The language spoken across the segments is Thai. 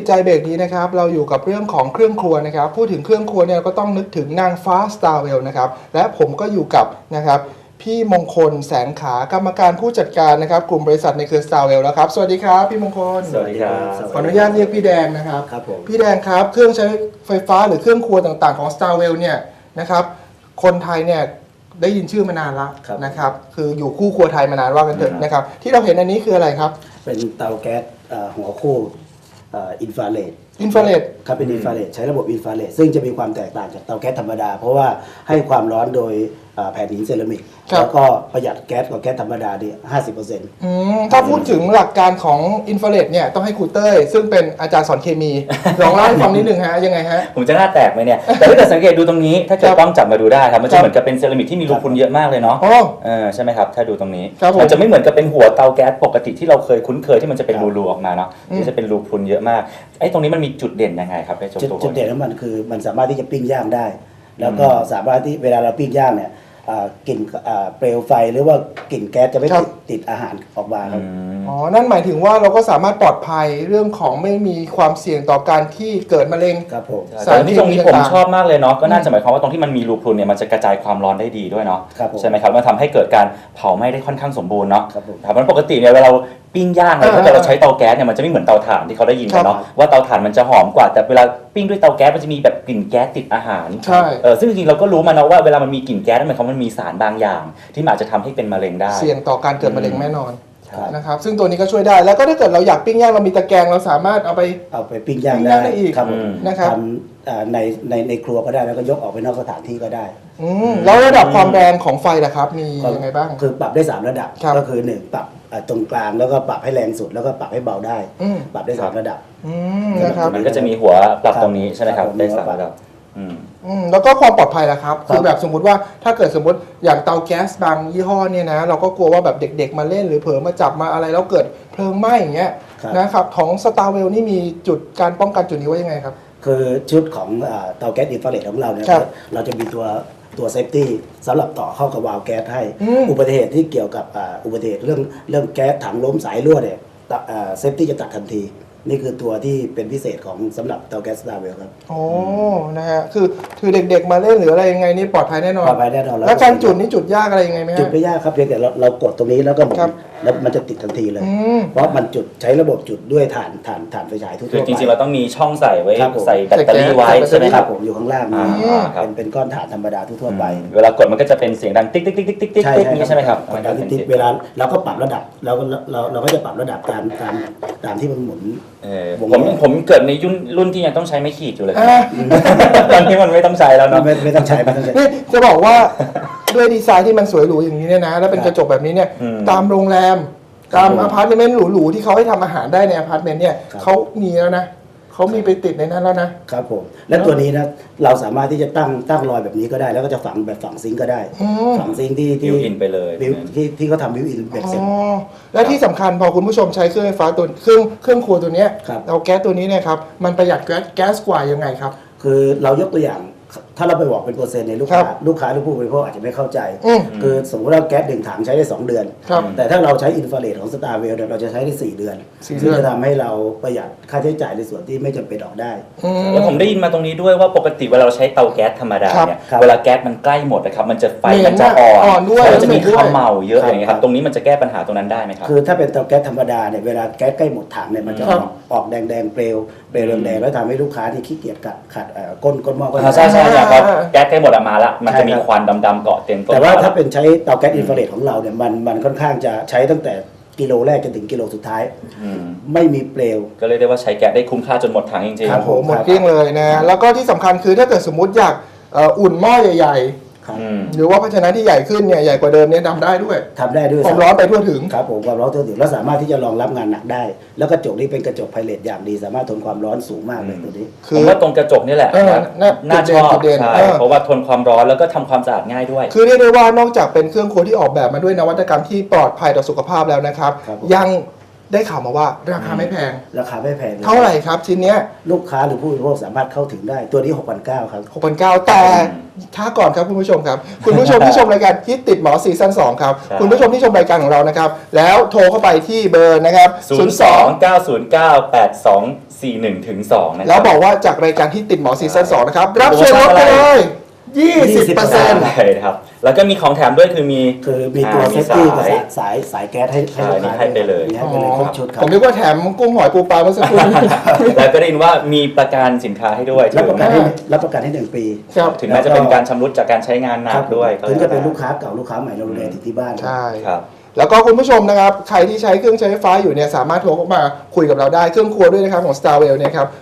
ใจเบรกนี้นะครับเราอยู่กับเรื่องของเครื่องครัวนะครับพูดถึงเครื่องครัวเนี่ยก็ต้องนึกถึงนางฟ้า Starwell นะครับและผมก็อยู่กับนะครับพี่มงคลแสงขากรรมการผู้จัดการนะครับกลุ่มบริษัทในเครือ Starwell แล้วครับสวัสดีครับพี่มงคลสวัสดีครับขออนุญาตเรียกพี่แดงนะครับครับผมพี่แดงครับเครื่องใช้ไฟฟ้าหรือเครื่องครัวต่างๆของ Starwell เนี่ยนะครับคนไทยเนี่ยได้ยินชื่อมานานแล้วนะครับคืออยู่คู่ครัวไทยมานานว่ากันเถอะนะครับที่เราเห็นอันนี้คืออะไรครับเป็นเตาแก๊สหัวคู่อินฟราเรดครับเป็นอินฟราเรดใช้ระบบอินฟราเรดซึ่งจะมีความแตกต่างจากเตาแก๊สธรรมดาเพราะว่าให้ความร้อนโดยแผ่นหินเซรามิกแล้วก็ประหยัดแก๊สกว่าแก๊สธรรมดาดิ50% ถ้าพูดถึงหลักการของอินฟราเรดเนี่ยต้องให้ครูเต้ยซึ่งเป็นอาจารย์สอนเคมีลองเล่าให้ฟังนิดนึงฮะยังไงฮะผมจะหน้าแตกไหมเนี่ยแต่ถ้าเกิดสังเกตดูตรงนี้ถ้าเกิดต้องจับมาดูได้ครับมันจะเหมือนกับเป็นเซรามิกที่มีรูพุนเยอะมากเลยเนาะใช่ไหมครับถ้าดูตรงนี้มันจะไม่เหมือนกับเป็นหัวเตาแก๊สปกติที่เราเคยคุ้นเคยที่มันจะเป็นรูๆออกมาเนาะที่จะเป็นรูพุนเยอะมากไอ้ตรงนี้มันมีจุดเด่นยังไงครับจุดเด่นของมันคือมันสามารถที่จะปิ้งย่างได้แล้วก็สามารถที่เวลาเราปิ้งย่างเนี่ยกลิ่นเปลวไฟหรือว่ากลิ่นแก๊สจะไม่ติดอาหารออกมาครับนั่นหมายถึงว่าเราก็สามารถปลอดภัยเรื่องของไม่มีความเสี่ยงต่อการที่เกิดมะเร็งครับผมแต่ที่ตรงนี้ผมชอบมากเลยเนาะก็น่าจะหมายความว่าตรงที่มันมีรูพรุนเนี่ยมันจะกระจายความร้อนได้ดีด้วยเนาะใช่ไหมครับมันทำให้เกิดการเผาไหม้ได้ค่อนข้างสมบูรณ์เนาะครับมันปกติเนี่ยเวลาเราปิ้งย่างเนี่ยถ้าเกิดเราใช้เตาแก๊สเนี่ยมันจะไม่เหมือนเตาถ่านที่เขาได้ยินกันเนาะว่าเตาถ่านมันจะหอมกว่าแต่เวลาปิ้งด้วยเตาแก๊สมันจะมีแบบกลิ่นแก๊สติดอาหารใช่ซึ่งจริงๆเราก็รู้มานะว่าเวลามันมีกลิ่นแก๊สนั่นหมายความว่ามันมีสารบางอย่างที่อาจจะทำให้เป็นมะเร็งได้เสี่ยงต่อการเกิดมะเร็งแน่นอนนะครับซึ่งตัวนี้ก็ช่วยได้แล้วก็ถ้าเกิดเราอยากปิ้งย่างเรามีตะแกรงเราสามารถเอาไปปิ้งย่างได้อีกนะครับในครัวก็ได้แล้วก็ยกออกไปนอกสถานที่ก็ได้แล้วระดับความแรงของไฟล่ะครับมียังไงบ้างคือปรับได้3ระดับก็คือ1ปรับตรงกลางแล้วก็ปรับให้แรงสุดแล้วก็ปรับให้เบาได้ปรับได้3ระดับนะครับมันก็จะมีหัวปรับตรงนี้ใช่ไหมครับได้3ระดับแล้วก็ความปลอดภัยล่ะครับคือแบบสมมุติว่าถ้าเกิดสมมติอย่างเตาแก๊สบางยี่ห้อเนี่ยนะเราก็กลัวว่าแบบเด็กๆมาเล่นหรือเผลอมาจับมาอะไรแล้วเกิดเพลิงไหม้อย่างเงี้ยนะครับของ Starwell นี่มีจุดการป้องกันจุดนี้ไว้ยังไงครับคือชุดของเตาแก๊สอินฟราเรดของเราเนี่ยเราจะมีตัวเซฟตี้สำหรับต่อเข้ากับวาล์วแก๊สให้อุบัติเหตุที่เกี่ยวกับอุบัติเหตุเรื่องแก๊สถังล้มสายรั่วเนี่ยเซฟตี้จะตัดทันทีนี่คือตัวที่เป็นพิเศษของสำหรับเตาแก๊ส Starwell ครับโอ้นะฮะคือเด็กๆมาเล่นหรืออะไรยังไงนี่ปลอดภัยแน่นอนปลอดภัยแน่นอนแล้วการจุดนี่จุดยากอะไรยังไงไหมฮะจุดไม่ยากครับเพียงแต่เรากดตรงนี้แล้วก็หมุนแล้วมันจะติดทันทีเลยเพราะมันจุดใช้ระบบจุดด้วยถ่านไฟฉายทั่วไปคือจริงๆเราต้องมีช่องใส่ไว้ใส่แบตเตอรี่ไว้ใช่ไหมครับผมอยู่ข้างล่างเป็นก้อนถ่านธรรมดาทั่วไปเวลากดมันก็จะเป็นเสียงดังติ๊กติ๊กติ๊กติ๊กติ๊กติ๊กนี่ใช่ไหมครับติ๊กเวลาเราก็ปรับระดับเราก็จะปรับระดับตามที่มันหมุนผมเกิดในรุ่นที่ยังต้องใช้ไม้ขีดอยู่เลยตอนนี้มันไม่ต้องใช้แล้วเนาะไม่ต้องใช้นี่จะบอกว่าด้วยดีไซน์ที่มันสวยหรูอย่างนี้เนี่ยนะแล้วเป็นกระจกแบบนี้เนี่ยตามโรงแรมตามอพาร์ตเมนต์หรูๆที่เขาให้ทำอาหารได้ในอพาร์ตเมนต์เนี่ยเขามีแล้วนะเขามีไปติดในนั้นแล้วนะครับผมและตัวนี้นะเราสามารถที่จะตั้งรอยแบบนี้ก็ได้แล้วก็จะฝังแบบฝังซิงก็ได้ฝังซิงที่บิวอินไปเลยที่เขาทำบิวอินแบบเซ็ตและที่สำคัญพอคุณผู้ชมใช้เครื่องไฟฟ้าตัวเครื่องครัวตัวนี้เราแก๊สตัวนี้เนี่ยครับมันประหยัดแก๊สกว่ายังไงครับคือเรายกตัวอย่างถ้าเราไปบอกเป็นเปอร์เซ็นต์ในลูกค้าหรือผู้บริโภคอาจจะไม่เข้าใจคือสมมติว่าแก๊ส1 ถังใช้ได้2 เดือนแต่ถ้าเราใช้อินฟราเรดของ Starwell เราจะใช้ได้4 เดือนซึ่งจะทำให้เราประหยัดค่าใช้จ่ายในส่วนที่ไม่จำเป็นออกได้แล้วผมได้ยินมาตรงนี้ด้วยว่าปกติเวลาเราใช้เตาแก๊สธรรมดาเนี่ยเวลาแก๊สมันใกล้หมดนะครับมันจะไฟมันจะอ่อนแล้วจะมีข้าวเมาเยอะอย่างเงี้ยครับตรงนี้มันจะแก้ปัญหาตรงนั้นได้ไหมครับคือถ้าเป็นเตาแก๊สธรรมดาเนี่ยเวลาแก๊สใกล้หมดถังเนี่ยมันจะออกแดงเปลวแดงแล้วทำให้ลูกค้าที่ขี้เกียจขัดก้นหม้อก็ใช่ครับแก๊สใกล้หมดมาแล้วมันจะมีควันดำๆเกาะเต็มตัวแต่ว่าถ้าเป็นใช้เตาแก๊สอินฟราเรดของเราเนี่ยมันค่อนข้างจะใช้ตั้งแต่กิโลแรกจนถึงกิโลสุดท้ายไม่มีเปลวก็เลยได้ว่าใช้แก๊สได้คุ้มค่าจนหมดถังจริงๆครับผมหมดเกลี้ยงเลยนะแล้วก็ที่สำคัญคือถ้าเกิดสมมุติอยากอุ่นหม้อใหญ่หรือว่าภาชนะที่ใหญ่ขึ้นเนี่ยใหญ่กว่าเดิมเนี่ยทำได้ด้วยความร้อนไปทั่วถึงครับผมความร้อนทั่วถึงแล้วสามารถที่จะรองรับงานหนักได้แล้วกระจกนี้เป็นกระจกไพเรตอย่างดีสามารถทนความร้อนสูงมากเลยตัวนี้คือว่าตรงกระจกนี่แหละน่าชอบเพราะว่าทนความร้อนแล้วก็ทำความสะอาดง่ายด้วยคือเรียกได้ว่านอกจากเป็นเครื่องครัวที่ออกแบบมาด้วยนวัตกรรมที่ปลอดภัยต่อสุขภาพแล้วนะครับยังได้ข่าวมาว่าราคาไม่แพงราคาไม่แพงลยเท่าไหร่ครับชิ้นเนี้ยลูกค้าหรือผู้บริโภคสามารถเข้าถึงได้ตัวนี้ 6,900 ครับ 6,900แต่ช้าก่อนครับคุณผู้ชมครับ คุณผู้ชมที่ชมรายการคิดติดหมอซีซั่น2ครับใช่คุณผู้ชมที่ชมรายการของเรานะครับ แล้วโทรเข้าไปที่เบอร์นะครับ 02-909-8241ถึง2นะครับแล้วบอกว่าจากรายการที่ติดหมอซีซั่น2นะครับรับส่วนลดไปเลย20% ใช่ครับ แล้วก็มีของแถมด้วยคือมีคือมีตัวเซฟตี้กับสายสายแก๊สให้ใช่ลูกค้าให้ไปเลยให้ไปเลยครบชุดครัผมนึกว่าแถมกุ้งหอยปูปลาเมื่อสักครู่นี้แล้วก็ได้ยินว่ามีประกันสินค้าให้ด้วยรับประกันให้1 ปีครับถึงแม้จะเป็นการชำรุดจากการใช้งานหนักด้วยถึงจะเป็นลูกค้าเก่าลูกค้าใหม่เราดูแลถึงที่บ้านใช่ครับแล้วก็คุณผู้ชมนะครับ ใครที่ใช้เครื่องใช้ไฟฟ้าอยู่เนี่ยสามารถโทรเข้ามาคุยกับเราได้เครื่องครัวด้วยนะครับของ Starwell เนี่ยครับ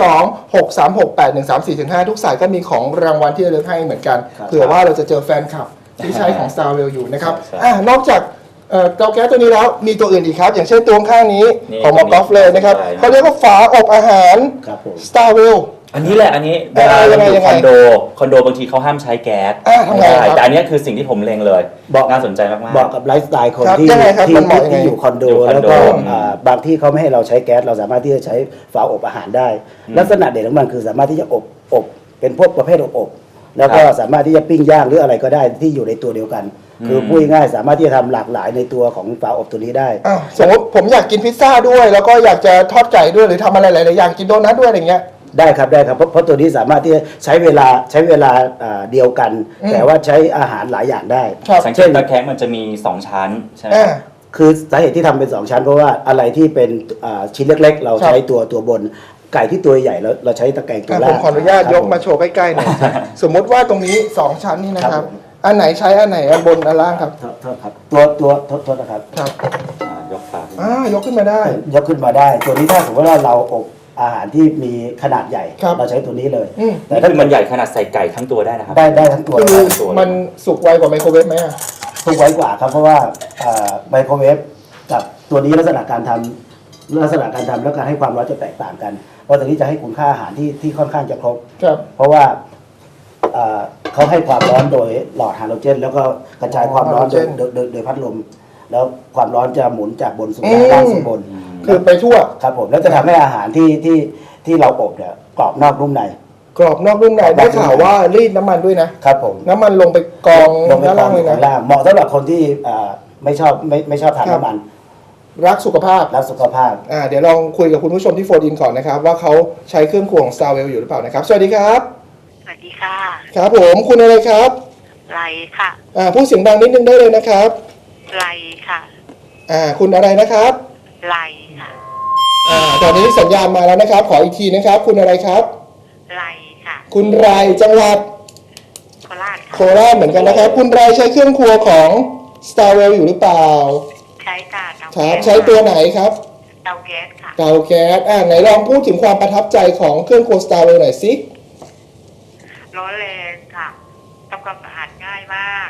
02-636-8134-5 ทุกสายก็มีของรางวัลที่ระลึกให้เหมือนกันครับเผื่อว่าเราจะเจอแฟนคลับที่ใช้ของ Starwell อยู่นะครับใช่นอกจากเตาแก๊สตัวนี้แล้วมีตัวอื่นอีกครับ อย่างเช่นตัวข้างนี้นี่ของหมอกอล์ฟเลยนะครับใช่เขาเรียกว่าฝาอบอาหารครับผม Starwell อันนี้แหละอันนี้เวลาเราอยู่คอนโดบางทีเขาห้ามใช้แก๊สทำไงครับแต่อันนี้คือสิ่งที่ผมเล็งเลยบอกน่าสนใจมากเหมาะกับไลฟ์สไตล์คนครับที่ยังไงครับที่มันเหมาะยังไงที่อยู่คอนโดอยู่คอนโดแล้วก็อืมบางที่เขาไม่ให้เราใช้แก๊สเราสามารถที่จะใช้ฝาอบอาหารได้ ลักษณะเด่นของมันคือสามารถที่จะอบเป็นพวกประเภทอบแล้วก็สามารถที่จะปิ้งย่างหรืออะไรก็ได้ที่อยู่ในตัวเดียวกัน คือพูดง่ายๆสามารถที่จะทำหลากหลายในตัวของฝาอบตัวนี้ได้สมมติผมอยากกินพิซซ่าด้วย แล้วก็อยากจะทอดไก่ด้วยหรือทำอะไรหลายๆอย่างกินโดนัทด้วยอะไรเงี้ยได้ครับเพราะตัวนี้สามารถที่จะใช้เวลาเดียวกัน แต่ว่าใช้อาหารหลายอย่างได้ครับสังเกตตะแคงมันจะมี 2 ชั้นใช่ไหมคือสาเหตุที่ทำเป็น 2 ชั้นเพราะว่าอะไรที่เป็นชิ้นเล็กๆ เราใช้ตัวบนไก่ที่ตัวใหญ่เราใช้ตะแกรงตัวผล่างมขออนุญาตยกมาโชว์ใกล้ๆหน่อยสมมุติว่าตรงนี้ 2 ชั้นนี่นะครับครับผมอันไหนใช้อันไหนอันบนอันล่างครับโทษครับโทษนะครับครับยกฝาขึ้นยกขึ้นมาได้ยกขึ้นมาได้ ตัวนี้ถ้าสมมติว่าเราอบอาหารที่มีขนาดใหญ่ครับเราใช้ตัวนี้เลยอืมแต่นี่ถ้าคือมันใหญ่ขนาดใส่ไก่ทั้งตัวได้นะครับได้ทั้งตัวคือตัวมันสุกไวกว่าไมโครเวฟไหมอะถูกไว้กว่าครับเพราะว่าไมโครเวฟกับตัวนี้ลักษณะการทำและการให้ความร้อนจะแตกต่างกัน เพราะตัวนี้จะให้คุณค่าอาหารที่ค่อนข้างจะครบครับเพราะว่าเขาให้ความร้อนโดยหลอดไฮโดรเจน แล้วก็กระจายความร้อนโดยพัดลม แล้วความร้อนจะหมุนจากบนสู่ล่างสู่บนคือไปทั่วครับผมแล้วจะทำให้อาหารที่เราอบเนี่ยกรอบนอกนุ่มในกรอบนอกนุ่มในได้ข่าวว่ารีดน้ำมันด้วยนะครับผมน้ำมันลงไปกองลงไปด้านกอล่าง งเลยข้างนะล่างเหมาะสำหรับคนที่ไม่ชอบทานครับน้ำมันรักสุขภาพรักสุขภาพเดี๋ยวลองคุยกับคุณผู้ชมที่โฟนอินก่อนนะครับ ว่าเขาใช้เครื่องครัวของ Starwell อยู่หรือเปล่านะครับ สวัสดีครับสวัสดีค่ะครับผมคุณอะไรครับไลค่ะพูดเสียงดังนิดนึงได้เลยนะครับไลค่ะคุณอะไรนะครับไลค่ะตอนนี้สัญญาณมาแล้วนะครับ ขออีกทีนะครับ คุณอะไรครับไลค่ะคุณไรจังหวัดโคราชโคค่ะราชเหมือนกันนะครับ คุณไรใช้เครื่องครัวของ Starwell อยู่หรือเปล่าใช้ค่ะเตาครัแก๊บสใช้ตัวไหนครับเตาแก๊สค่ะเตาแก๊สไหนลองพูดถึงความประทับใจของเครื่องครัว Starwell หน่อยสิร้อนแรงค่ะทำความสะอาดง่ายมาก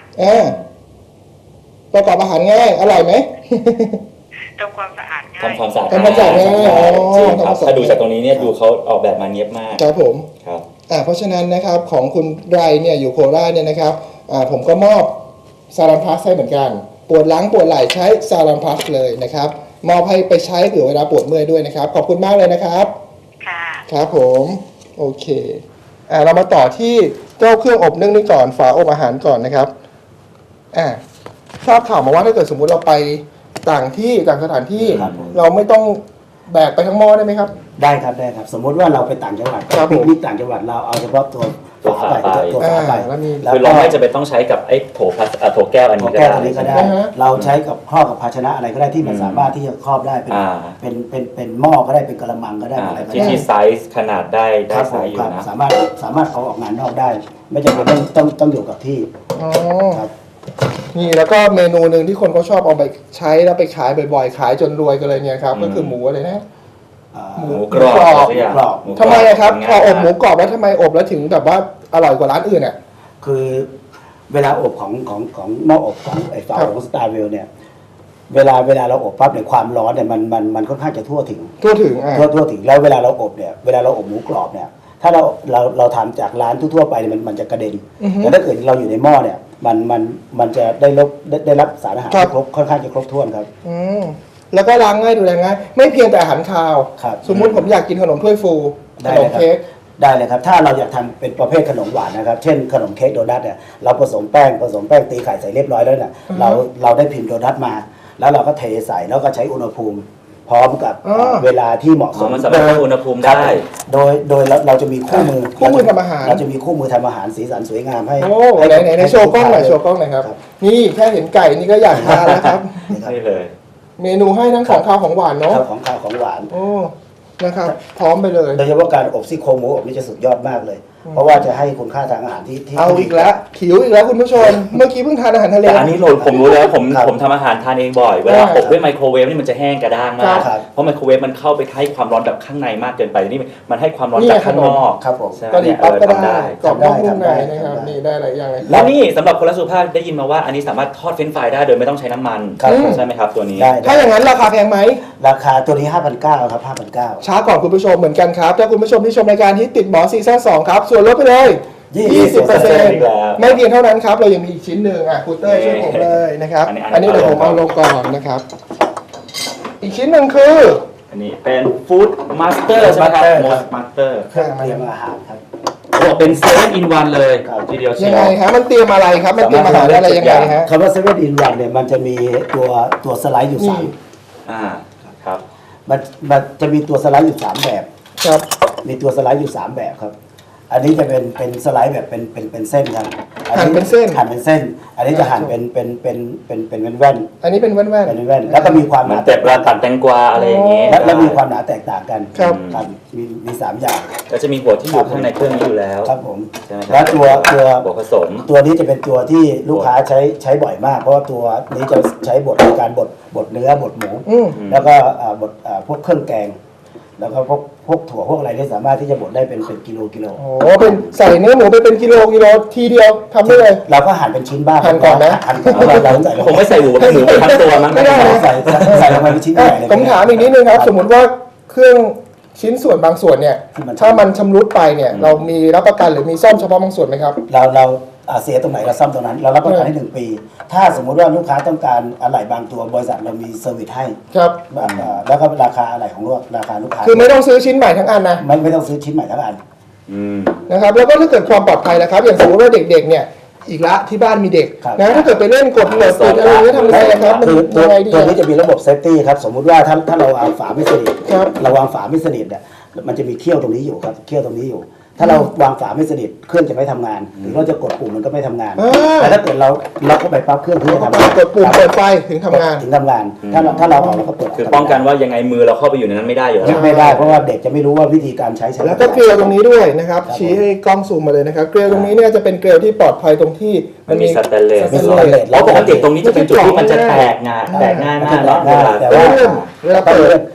ประกอบอาหารง่าย อร่อยไหมทำความสะอาดง่ายทำความสะอาดทำความสะอาดง่ายจริงครับทำความสะอาดถ้าดูจากตรงนี้เนี่ยดูเขาออกแบบมาเนียบมากครับผมครับเพราะฉะนั้นนะครับของคุณไรเนี่ยอยู่โคราชเนี่ยนะครับผมก็มอบซาลันพลัสให้เหมือนกัน ปวดหลังปวดไหล่ใช้ซาลันพลัสเลยนะครับ มอบให้ไปใช้เผื่อเวลาปวดเมื่อยด้วยนะครับ ขอบคุณมากเลยนะครับค่ะครับผมโอเคเรามาต่อที่เจ้าเครื่องอบนึ่งนี่ก่อนฝาอบอาหารก่อนนะครับทราบข่าวมาว่าถ้าเกิดสมมุติเราไปต่างที่ต่างสถานที่ครับผมเราไม่ต้องแบกไปทั้งหม้อได้ไหมครับได้ครับสมมติว่าเราไปต่างจังหวัดครับผมปิกนิกต่างจังหวัดเราเอาเฉพาะตัวฝาไปตัวฝาไปแล้วมีคือเราไม่จะเป็นต้องใช้กับไอ้โถพลาสโถแก้วอันขอนี้งก็แก้วได้ตัวนี้ก็ได้อ่าฮะเราใช้กับครอบกับภาชนะอะไรก็ได้ที่มันสามารถที่จะครอบได้เป็นอ่าเป็นหม้อก็ได้เป็นกระมังก็ได้อะไรก็ที่ได้ที่ไซส์ขนาดได้ครับไซส์อยู่ครับนะสามารถเอาออกงานนอกได้ ไม่จำเป็นต้องอยู่กับที่อ๋อครับนี่แล้วก็เมนูหนึ่งที่คนเขาชอบเอาไปใช้แล้วไปขายบ่อยๆ ขายจนรวยกันเลยเนี่ยครับก็คือหมูอะไรนะ หมูหมูกรอบหมูกรอบสักอย่างหมูกรอบหมูกทำไมอะครับพออบหมูง่ายกรอบแล้วทำไมอบแล้วถึงแบบว่าอร่อยกว่าร้านอื่นอ่ะคือเวลาอบของหม้ออบของไอ้ฝาครับของสตาร์เวลเนี่ยเวลาเราอบปั๊บเนี่ยความร้อนเนี่ยมันค่อนข้างจะทั่วถึงทั่วถึงทั่วถึงแล้วเวลาเราอบเนี่ยเวลาเราอบหมูกรอบเนี่ยถ้าเราทำจากร้านทั่วๆไปเนี่ยมันจะกระเด็นอือฮึแต่ถ้าเกิดเราอยู่ในหม้อเนี่ยมันจะได้รับสารอาหารครับที่ครบค่อนข้างจะครบถ้วนครับอืมแล้วก็ล้างง่ายดูแลง่ายไม่เพียงแต่อาหารคาวครับสมมุติผมอยากกินขนมถ้วยฟูขนมเค้กได้เลยครับถ้าเราอยากทำเป็นประเภทขนมหวานนะครับเช่นขนมเค้กโดนัทเนี่ยเราผสมแป้งตีไข่ใส่เรียบร้อยแล้วเนี่ยเราได้พิมพ์โดนัทมา แล้วเราก็เทใส่แล้วก็ใช้อุณหภูมิ พร้อมกับเวลาที่เหมาะสมมันสามารถควบคุมอุณหภูมิได้โดยเราจะมีคู่มือทำอาหารเราจะมีคู่มือทำอาหารสีสันสวยงามให้โอ้ไหนโชว์กล้องหน่อยโชว์กล้องหน่อยครับ นี่แค่เห็นไก่นี่ก็อยากทานแล้วครับนี่เลยเมนูให้ทั้งของคาวของหวานเนาะของข้าวของหวานโอ้นะครับพร้อมไปเลยโดยเฉพาะการอบซี่โครงหมูอบนี่จะสุดยอดมากเลย เพราะว่าจะให้คุณค่าทางอาหารที่เอาอีกแล้วหิวอีกแล้วคุณผู้ชม เมื่อกี้เพิ่งทานอาหารทะเลแต่อันนี้ผมรู้แล้วผมทำอาหารทานเองบ่อย เวลาอบด้วยไมโครเวฟนี่มันจะแห้งกระด้างมากครับเพราะไมโครเวฟมันเข้าไปให้ความร้อนแบบข้างในมากเกินไปนี่มันให้ความร้อนจากข้างนอกครับผมใช่กะหรี่ปั๊บก็ได้กรอบทำได้นอกนุ่มในทำได้นะครับทำได้นี่ได้หลายอย่างเลยแล้วนี่สำหรับคนรักสุขภาพได้ยินมาว่าอันนี้สามารถทอดเฟรนช์ฟรายได้โดยไม่ต้องใช้น้ำมันครับใช่ไหมครับตัวนี้ได้ถ้าอย่างนั้นราคาแพงไหมราคาตัวนี้ 5,900 ครับ 5,900 ช้าก่อนคุณผู้ชมเหมือนกันครับ ถ้าคุณผู้ชมที่ชมรายการที่ติดหมอซีซั่น2ครับ ส่วนลดไปเลย 20% ไม่เพียงเท่านั้นครับ เรายังมีอีกชิ้นหนึ่งครูเต้ยช่วยผมเลยนะครับ อันนี้เดี๋ยวผมเอาลงก่อนนะครับ อีกชิ้นหนึ่งคืออันนี้เป็นฟู้ดมาสเตอร์ใช่ไหมครับ Master มครับมาสเตอร์เครื่องเตรียมอาหารครับเป็นเซเว่นอินวันเลยครับทีเดียวเชียัยงไงวฮะมันเตรียมอะไรครับ มันเตรียมอาหารอะไรยังไงฮะคำว่า7 in 1เนี่ยมันจะมีตัวสไลด์อยู่นี่อ่าครับมันจะมีตัวสไลด์อยู่3แบบครับมีตัวสไลด์อยู่3แบบครับ อันนี้จะเป็นสไลด์แบบเป็นเส้นครับหั่นเป็นเส้นหั่นเป็นเส้น อันนี้จะหั่นเป็นแว่นอันนี้เป็นแว่นเป็นแว่นแล้วก็มีความเหหมือนานแต่ปลาตัดแตงกวาอะไรอย่างงี้และมีความหนาแตกต่างกันครับมี3อย่างก็จะมีหัวที่อยู่ข้างในเครื่องนี้อยู่แล้วครับผมใช่ไหมครัแล้วตัวหัวผสมตัวนี้จะเป็นตัวที่ลูกค้าใช้บ่อยมาก เพราะว่าตัวนี้จะใช้บดในการบดเนื้อบดหมูอืมแล้วก็บดพวกเครื่องแกง แล้วก็พวกถั่วพวกอะไรที่สามารถที่จะบดได้เป็นกิโลโอ้เป็นใส่เนื้อหมูไปเป็นกิโลทีเดียวทำได้เลยเราก็หั่นเป็นชิ้นบ้างหั่นก่อนนะหั่นก่อนแล้วเราใส่ลงคงไม่ใส่หมูไปทั้งตัวมั้งไม่ได้นะใส่ลงไปเป็นชิ้นใหญ่เลยผมถามอีกนิดนึงครับ สมมติว่าเครื่องชิ้นส่วนบางส่วนเนี่ยที่มันถ้ามันชำรุดไปเนี่ย เรามีรับประกันหรือมีซ่อมเฉพาะบางส่วนไหมครับเราเสียตรงไหนเราซ่อมตรงนั้น เรารับประกันให้1 ปี ถ้าสมมุติว่าลูกค้าต้องการอะไหล่บางตัวบริษัทเรามีเซอร์วิสให้ครับแล้วก็ราคาอะไหล่ของราคาลูกค้าคือไม่ต้องซื้อชิ้นใหม่ทั้งอันนะไม่ต้องซื้อชิ้นใหม่ทั้งอันอืมนะครับ แล้วก็ถ้าเกิดความปลอดภัยนะครับ อย่างสมมติว่าเด็กๆเนี่ยอีกละที่บ้านมีเด็กครับนะถ้าเกิดไปเล่นกดโหลดติดอะไรอย่างเงี้ยทำไงครับมันคือตัวยังไงดีตัวนี้จะมีระบบเซฟตี้ครับ สมมุติว่าถ้าเราวางฝาไม่สนิทครับเราวางฝาไม่สนิทเนี่ยมันจะมีเขี้ยวตรงนี้อยู่ครับเขี้ยวตรงนี้อยู่ ถ้าเราวางฝาไม่สนิทเครื่องจะไม่ทำงาน หรือเราจะกดปุ่มมันก็ไม่ทำงาน แต่ถ้าเกิดเราเข้าไปปั๊บเครื่องถึงจะทำงานกดปุ่มเปิดไฟถึงทำงานถึงทำงาน ถ้าเราเอาเราก็เปิดคือป้องกันว่ายังไงมือเราเข้าไปอยู่ในนั้นไม่ได้อยู่แล้วไม่ได้เพราะว่าเด็กจะไม่รู้ว่าวิธีการใช้แล้วก็เกลียวตรงนี้ด้วยนะครับ ชี้ให้กล้องซูมมาเลยนะครับ เกลียวตรงนี้เนี่ยจะเป็นเกลียวที่ปลอดภัยตรงที่มันมีสแตนเลสสแตนเลสแล้วปกติตรงนี้จะเป็นจุดที่มันจะแตกง่ายมากเนาะแต่ว่าเวลาเปิด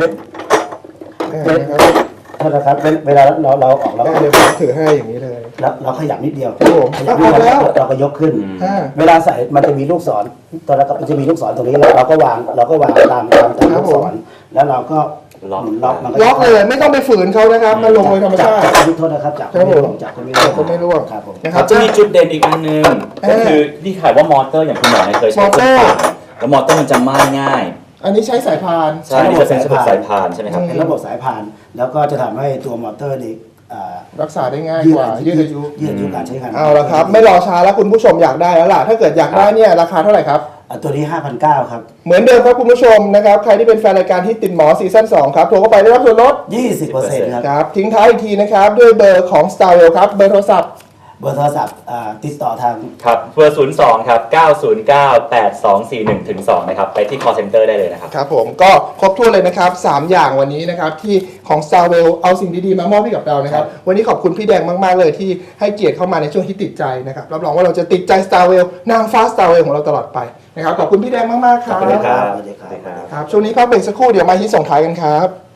นะครับโทษนะครับเวลาเราออกเราก็เดี๋ยวผมถือให้อย่างนี้เลยเราขยับนิดเดียวครับผมขยับนิดเดียวแล้วเราก็ยกขึ้นอ่าเวลาใส่มันจะมีลูกศรตอนแรกมันจะมีลูกศรตรงนี้แล้วเราก็วางตามลูกศรแล้วเราก็หมุนล็อกมันล็อกเลยไม่ต้องไปฝืนเขานะครับมันลงโดยธรรมชาติโทษนะครับจับครับผมจับก็ไม่จับก็ไม่ร่วงครับผมนะครับจะมีจุดเด่นอีกอันนึงก็คือนี่ขายว่ามอเตอร์อย่างคุณหมอเนี่ยเคยใช้มอเตอร์แล้วมอเตอร์มันจะไหม้ง่ายอันนี้ใช้สายพานใช่นี่จะเป็นระบบสายพานใช่ไหมครับเป็นระบบสายพาน แล้วก็จะทำให้ตัวมอเตอร์นี่รักษาได้ง่ายกว่ายืดอายุยืดอายุการใช้งานเอาละครับ ไม่รอช้าแล้วคุณผู้ชมอยากได้แล้วล่ะ ถ้าเกิดอยากได้เนี่ยราคาเท่าไหร่ครับตัวนี้ 5,900 ครับเหมือนเดิมครับคุณผู้ชมนะครับ ใครที่เป็นแฟนรายการที่ติดหมอซีซั่น2ครับโทรเข้าไปได้รับส่วนลด 20%ครับครับทิ้งท้ายอีกทีนะครับ ด้วยเบอร์ของ Starwell ครับ เบอร์โทรศัพท์เบอร์โทรศัพท์ติดต่อทางครับเบอร์02ครับ9098241ถึง2นะครับไปที่ call center ได้เลยนะครับครับผมก็ครบถ้วนเลยนะครับ 3 อย่างวันนี้นะครับที่ของ Starwell เอาสิ่งดีๆมามอบให้กับเรานะครับ วันนี้ขอบคุณพี่แดงมากๆเลยที่ให้เกียรติเข้ามาในช่วงที่ติดใจนะครับรับรองว่าเราจะติดใจ Starwell นางฟ้า Starwell ของเราตลอดไปนะครับขอบคุณพี่แดงมากๆครับขอบคุณครับสวัสดีครับครับช่วงนี้พักเบรกสักครู่เดี๋ยวมาที่ส่งท้ายกันครับ